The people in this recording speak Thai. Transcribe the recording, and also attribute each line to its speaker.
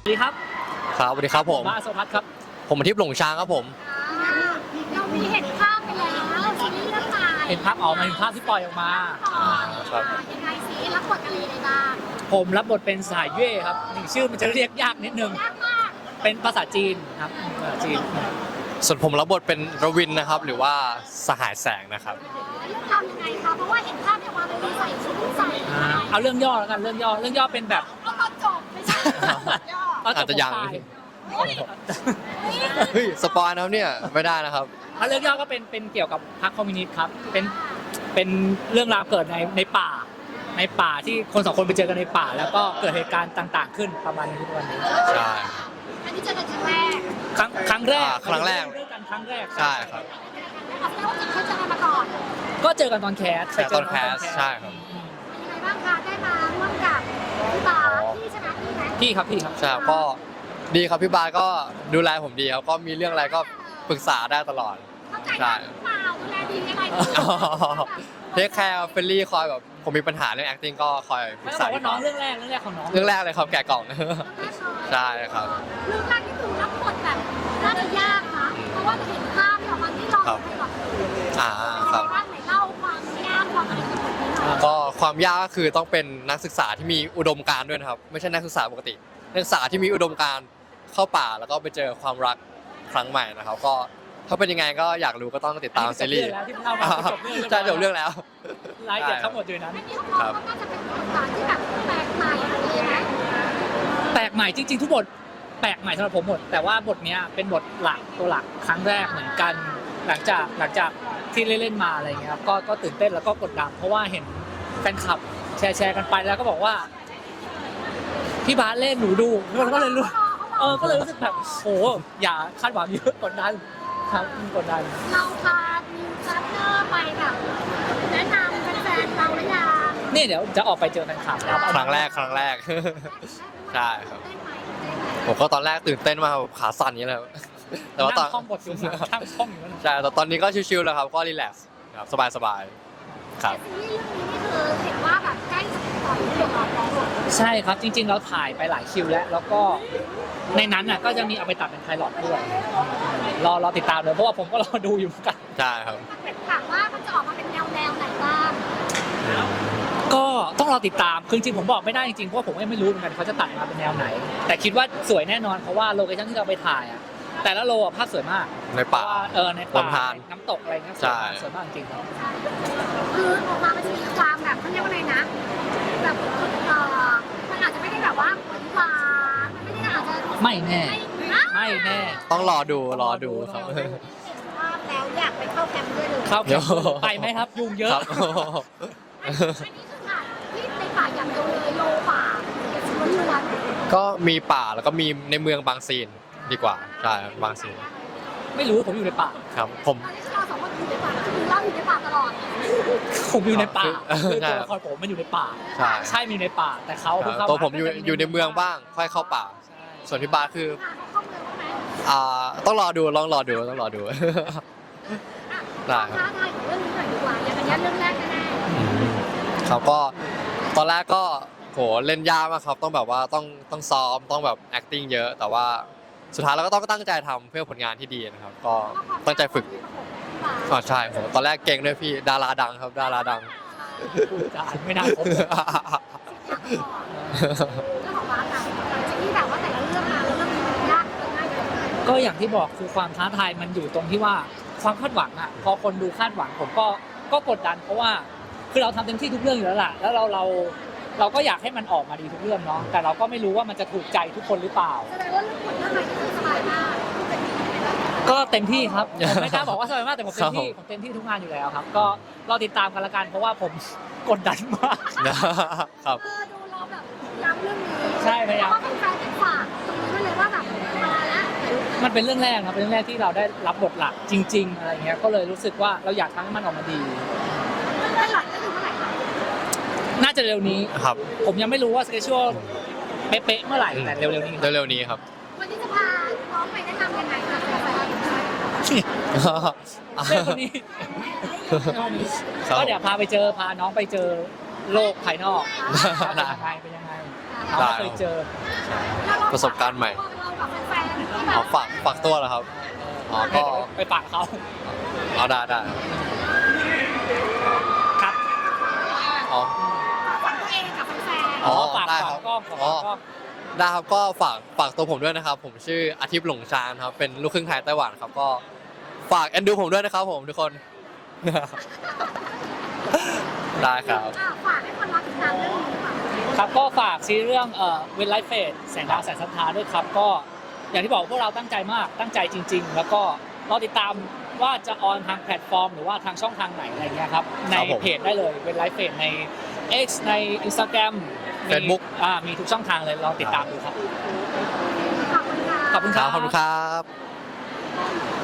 Speaker 1: ดีครับ
Speaker 2: ครับสวัสดีครับผม
Speaker 1: บ้าสพัฒน์ครับ
Speaker 2: ผมอาทิตย์หลงช้างครับผม
Speaker 3: เรามีเห็นภาพไปแล้วซีรีส์เรื่องใหม่
Speaker 1: เห็นภาพออกมาเห็นภาพที่ปล่อยออกมา
Speaker 2: ครับ
Speaker 3: ยังไงซีรับบทอะไรยังไงบ้าง
Speaker 1: ผมรับบทเป็นสายเย่ครับชื่อมันจะเรียกยากนิดนึง
Speaker 3: ยากมาก
Speaker 1: เป็นภาษาจีนครับภาษาจีน
Speaker 2: ส่วนผมรับบทเป็นรวินนะครับ หรือว่าสหายแสงนะครับ
Speaker 3: เรื่องราวยังไงคะเพราะว่าเห็นภาพเนี่ยว่าเราใส่ชุดใส่
Speaker 1: เอาเรื่องย่อแล้วกันเรื่องย่อเป็นแบบ
Speaker 3: เอาตอนจบไม่ใช่ย่อ
Speaker 2: อาจจะยัง
Speaker 1: ตนตาย
Speaker 2: เฮ้ยสปอยนะครับเนี่ยไม่ได้นะครับ
Speaker 1: เอาเรื่องย่อก็เป็นเกี่ยวกับพรรคคอมมิวนิสต์ครับเป็นเรื่องราวเกิดในป่าที่คนสองคนไปเจอกันในป่า แล้วก็เกิดเหตุการณ์ต่างๆ ขึ้นประมาณนี้ทุกวันนี้
Speaker 2: ใช่
Speaker 3: อันนี้เจอกันครั้งแรก
Speaker 1: ครั้งแรก
Speaker 2: ครั้งแรก
Speaker 1: เจอกันครั้งแรก
Speaker 2: ใช่ครับ
Speaker 3: แล้วว่าเคยเจอกันมาก่อน
Speaker 1: ก็เจอกันตอนแคส
Speaker 2: แต่ตอนแคสใช่ครับ
Speaker 3: เป็นยังไงบ้างคะได้มาร่วมกับพี่บาสที่ชนะพี่ไหม
Speaker 1: พี่ครับ
Speaker 2: ใช่ก็ดีครับพี่บาสก็ดูแลผมดีครับก็มีเรื่องอะไรก็ปรึกษาได้ตลอด
Speaker 3: เข้าใจกันหรือเปล่าดูแลดียังไง
Speaker 2: เทคแคร์เฟรนลี่คอยแบบผมมีปัญหาเรื่อง acting ก็คอยปรึ
Speaker 1: ไม่
Speaker 2: ก
Speaker 1: ต้อ
Speaker 2: ษาง
Speaker 1: บอกว่าน้องเรื่องแรกของน้อง
Speaker 2: เรื่องแรกเลยครับแกะกล่อง ใช่ครับ
Speaker 3: เรื่องแรกที่ดูรับบทแบบน่าจะยากนะเพราะว่าเห็นภาพที่ออกมาที่เราให้ก่อน
Speaker 2: ครับ
Speaker 3: บ้างไหนเล่าความยากความอะไรของมันหน่อย
Speaker 2: ก็ความยากก็คือต้องเป็นนักศึกษาที่มีอุดมการณ์ด้วยนะครับไม่ใช่นักศึกษาปกตินักศึกษาที่มีอุดมการณ์เข้าป่าแล้วก็ไปเจอความรักครั้งใหม่นะครับก็ถ้าเป็นยังไงก็อยากรู้ก็ต้องติดตามซีรีส์
Speaker 1: แล้วที่เล่ามาจบเรื่อง
Speaker 2: ใช่จบเรื่องแล้ว
Speaker 1: รายละเอียดทั้งหมดอยู่ในนั้น
Speaker 3: อันนี้ของเราก็น่าจะเป็นประสบการณ์ที่แบบแปลกใหม่เลยนะ
Speaker 1: แปลกใหม่จริงๆทุกบทแปลกใหม่สำหรับผมหมดแต่ว่าบทเนี้ยเป็นบทหลักตัวหลักครั้งแรกเหมือนกันหลังจากที่เล่นมาอะไรเงี้ยครับก็ตื่นเต้นแล้วก็กดดันเพราะว่าเห็นแฟนคลับแชร์กันไปแล้วก็บอกว่าพี่บาสเล่นหนูดูก็เลยรู้ก็เลยรู้สึกแบบโหอย่าคาดหวังเยอะกดดันครับกดดัน
Speaker 3: เราพานิวซัตเตอร์ไปแบบแนะนำแฟนๆเราหรือยัง
Speaker 1: นี่เดี๋ยวจะออกไปเจอแฟนคลับแล้ว
Speaker 2: ครั้งแรก ใช่ครับ ผมก็ตอนแรกตื่นเต้นมากแบบขาสั่นอย่างนี้เลย แต่ว่าตอน
Speaker 1: นั่งท่องบทอยู่นั่งท่องอยู่นั่น
Speaker 2: ใช่แต่ตอนนี้ก็ชิลๆแล้วครับก็รีแลกซ์ครับสบายๆครับ
Speaker 3: ซีรีส์เรื่องนี้นี่คือเห็นว่าแบบใกล้จะปล่อยเรื่องแล้ว
Speaker 1: ใช่ครับจริงๆเราถ่ายไปหลายคิวแล้วก็ในนั้นน่ะก็จะมีเอาไปตัดเป็นไพลอตด้วยรอติดตามเลยเพราะว่าผมก็รอดูอยู่เหมือนกัน
Speaker 2: ใช่ครับ
Speaker 3: ถามว่ามันจะออกมาเป็นแนวไหนบ้าง
Speaker 1: ก็ต้องรอติดตามคือจริงๆผมบอกไม่ได้จริงๆเพราะว่าผมก็ไม่รู้เหมือนกันเขาจะตัดมาเป็นแนวไหน แต่คิดว่าสวยแน่นอนเพราะว่าโลเคชั่นที่เราไปถ่ายอ่ะแต่ละโลภาพสวยมาก
Speaker 2: ในป่า
Speaker 1: เพราะว่าในป่า
Speaker 2: ลำธาร
Speaker 1: น้ำตกอะไรเงี้ย
Speaker 2: ใช่
Speaker 1: สวยมากจริงครับ
Speaker 3: คือออกมามันจะมีความแบบเขาเรียกว่าอะไรนะแบบมันอาจจะไม่ได้แบบว่าหวานมันไม่ได้อาจจะ
Speaker 1: ไม่แน่
Speaker 3: ไม่
Speaker 1: ไม่แน่
Speaker 2: ต้องรอดูครับ
Speaker 3: ว่าแล้วอยากไปเข้าแคมป์ด้วยเลย
Speaker 1: เข้าแคมป์ไปไหมครับยุงเยอะ
Speaker 2: ครับ
Speaker 3: อันนี้คือค่ะที่ในป่าอย่างเดียวเลยโลป่าล้วน
Speaker 2: ก็มีป่าแล้วก็มีในเมืองบางซีนดีกว่าใช่ครับบางซีน
Speaker 1: ไม่รู้ผมอยู่ในป่า
Speaker 2: ครับผม
Speaker 3: ตอนนี้เราสองคนอยู่ในป่าคือเราอยู่ในป่าตลอด
Speaker 1: ผมอยู่ในป่า
Speaker 2: เออ
Speaker 1: คือ
Speaker 2: ใช่
Speaker 1: ตัวละครผมมันอยู่ในป่า
Speaker 2: ใช่
Speaker 1: ใช่มีในป่าแต่เขาเพิ่งเข้า
Speaker 2: ตัวผม
Speaker 1: า
Speaker 2: อยู่ในเมืองบ้างค่อยเข้าป่า
Speaker 1: ใช่
Speaker 2: ส่วนพี่บาสคือ
Speaker 3: เข้าเมืองบ้างไหม
Speaker 2: ต้องรอดูต้องรอดู ได้ครับ
Speaker 3: ท้าทายของเรื่องนี้หน่อยดีกว่าอย่างอันนี้เรื่องแรกแน่
Speaker 2: ครับก็ตอนแรกก็โหเล่นยากมากครับต้องแบบว่าต้องซ้อมต้องแบบ acting เยอะ แต่ว่าสุดท้ายเราก็ต้องตั้งใจทำเพื่อผลงานที่ดีนะครับก็ตั้งใจฝึกใช่ผมตอนแรกเก่งด้วยพี่ดาราดังครับดาราดัง
Speaker 1: พูดจาไม่น่าคบ
Speaker 3: เรื่องของบ้านนะหลังจากที่แบบว่าแต่ละเรื่องมาแล้วเรื่องนี้มันยากเรื่องง่ายเลย
Speaker 1: ก็อย่างที่บอกคือความท้าทายมันอยู่ตรงที่ว่าความคาดหวังอ่ะพอคนดูคาดหวังผมก็กดดันเพราะว่าคือเราทำเต็มที่ทุกเรื่องอยู่แล้วล่ะแล้วเราก็อยากให้มันออกมาดีทุกเรื่องเนาะแต่เราก็ไม่รู้ว่ามันจะถูกใจทุกคนหรือเปล่า
Speaker 3: แสดงว่าเรื่องคนเรื่องใหม่นี่คือสบายมาก
Speaker 1: ก็เต็มที่ครับผมไม่กล้าบอกว่าสบายมากแต่ผมเต็มที่ผมเต็มที่ทุกงานอยู่แล้วครับ ก็รอติดตามกันละกันเพราะว่าผมกดดันมาก
Speaker 2: ครับ
Speaker 3: ดูเราแบบย้ำเรื่องนี้
Speaker 1: ใช่พยายาม
Speaker 3: เพราะว่าเป็นแฟนเป็นฝากตรงนี้ไว้เลยว่าแบบมาแล้ว
Speaker 1: มันเป็นเรื่องแรกครับเป็นเรื่องแรกที่เราได้รับบทหลักจริง ๆ อะไรเงี้ยก็เลยรู้สึกว่าเราอยากทำให้มันออกมาดี
Speaker 3: เรื่องหลักก็คือเมื่อไหร่คะ
Speaker 1: น่าจะเร็วนี้
Speaker 2: ครับ
Speaker 1: ผมยังไม่รู้ว่าสเกจชัวเป๊ะๆเมื่อไหร่แต่เร็วๆนี้ครับ
Speaker 2: เร็วๆนี้ครับ
Speaker 3: วันนี้จะพาน้องไปแนะนำยังไงคะแฟน
Speaker 1: เรื่องคนนี้ก็เดี๋ยวพาน้องไปเจอโลกภายนอกเป็นยังไงเราไม่เคยเจอ
Speaker 2: ประสบการณ์ใหม่
Speaker 3: เรากับแฟนๆที่แบ
Speaker 2: อ๋อบ ฝากตัวเหรอครับอ๋อก็
Speaker 1: ไปปากเขา
Speaker 2: เอาได้
Speaker 1: ครับ
Speaker 2: อ๋อ
Speaker 3: ฝากตัวเองกับแฟน
Speaker 2: อ๋อ
Speaker 1: ฝาก
Speaker 2: ได้
Speaker 1: ฝา
Speaker 2: ครั
Speaker 1: ก
Speaker 2: บ
Speaker 1: กล้องฝากกล้อง
Speaker 2: ได้ครับก็ฝากตัวผมด้วยนะครับ ผมชื่ออาทิตย์หลงชานครับเป็นลูกครึ่งไทยไต้หวันครับก็ฝากเอ็นดูผมด้วยนะครับผมทุกคน ได้ครับ
Speaker 3: ฝากให้คนรอติดตามเรื่องนี้ค่ะ
Speaker 1: ครับก็ฝากซีรีส์เรื่องเวนไลฟ์เฟสแสงดาวแสงศรัทธาด้วยครับก็อย่างที่บอกพวกเราตั้งใจมากตั้งใจจริง ๆ แล้วก็รอติดตามว่าจะออนทางแพลตฟอร์มหรือว่าทางช่องทางไหนอะไรเงี้ยครับใน
Speaker 2: ครับผม
Speaker 1: เพจได้เลยเวนไลฟ์เฟสใน X ใน Instagram มี
Speaker 2: Facebook
Speaker 1: มีทุกช่องทางเลยลองติดตามดูครับ
Speaker 3: ขอบคุณค่ะ
Speaker 1: ขอบคุณ
Speaker 2: ค
Speaker 1: ค
Speaker 2: รั
Speaker 1: รั
Speaker 2: บบ ขอบคุณครับ